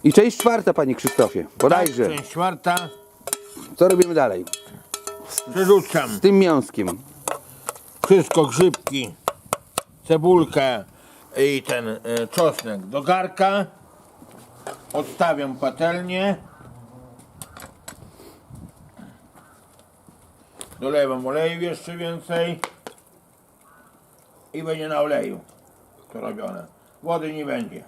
I część czwarta, panie Krzysztofie. Bodajże. Część czwarta. Co robimy dalej? Przerzucam Z tym mięskiem. wszystko, grzybki, cebulkę i ten czosnek do garka. Odstawiam patelnię. Dolewam oleju jeszcze więcej. I będzie na oleju to robione. Wody nie będzie.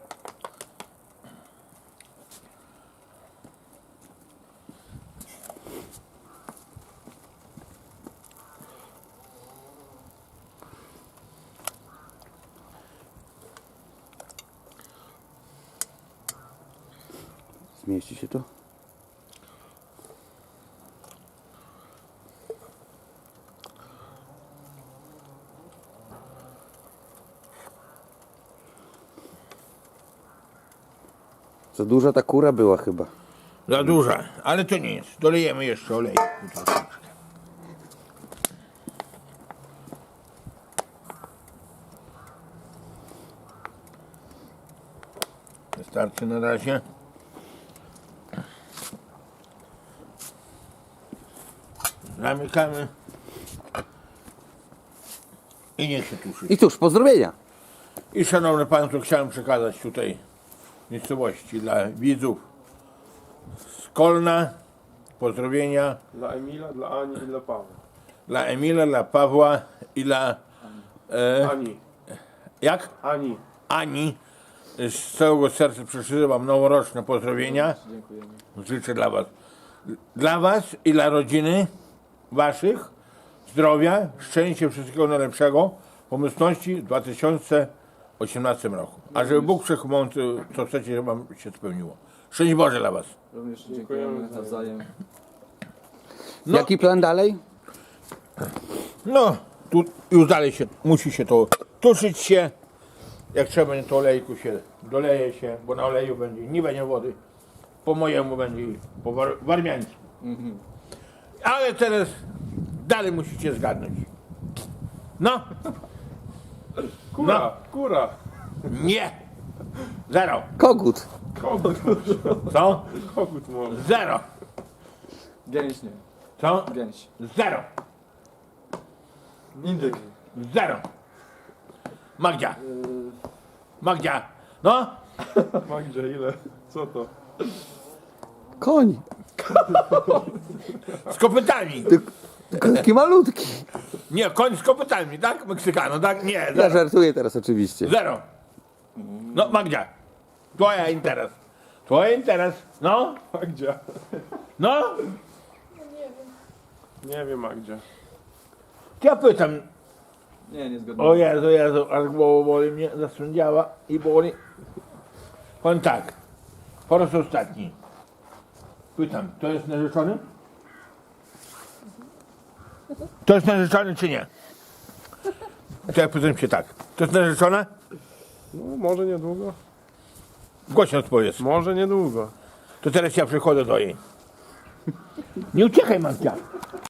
Zmieści się to? Za duża ta kura była chyba. Za duża, ale to nie jest. Dolejemy jeszcze oleju. Wystarczy na razie. Zamykamy. I niech się tuszy. I cóż, pozdrowienia. I szanowne państwo, chciałem przekazać tutaj miejscowości dla widzów z Kolna pozdrowienia Dla Emila, dla Ani i dla Pawła. dla Emila, dla Pawła i dla Ani. jak? Ani. Ani. Z całego serca przesyłam noworoczne pozdrowienia. Dziękujemy. Życzę dla was i dla rodziny waszych zdrowia, szczęścia, wszystkiego najlepszego, pomyślności w 2018 roku. A żeby Bóg Wszechmogący, co chcecie, wam się spełniło. Szczęść Boże dla was. Również dziękujemy nawzajem. No. Jaki plan dalej? No, tu już dalej musi się to tuszyć się. Jak trzeba będzie, to olejku się doleje się, bo na oleju nie będzie wody. Po mojemu będzie i po warmiańsku. Ale teraz dalej musicie zgadnąć. No, Kura, No. kura. nie. Zero. Kogut. Kogut, Co? kogut może. Zero. Gęś nie. Co? Gęś. Zero. Indyk. Zero. Magdzia. Magdzia. No, Magdzie, ile? Co to? Koń. z kopytami. Taki malutki. Nie, koń z kopytami, tak? Meksykano, tak? Nie, Ja zero. żartuję teraz oczywiście. Zero. No, Magdzia. Twoja interes. Twoja interes. No, Magdzia. no. Nie wiem, Magdzia. Ja pytam. Nie, nie zgodnie. O Jezu, aż głowa boli mnie, zasądziała i boli. Powiem tak. Po raz ostatni. Pytam, to jest narzeczony? To jest narzeczony czy nie? To ja pytam się tak. To jest narzeczona? No, może niedługo. Głośno odpowiedz. Może niedługo. To teraz ja przychodzę do jej. Nie uciekaj, Magdzia.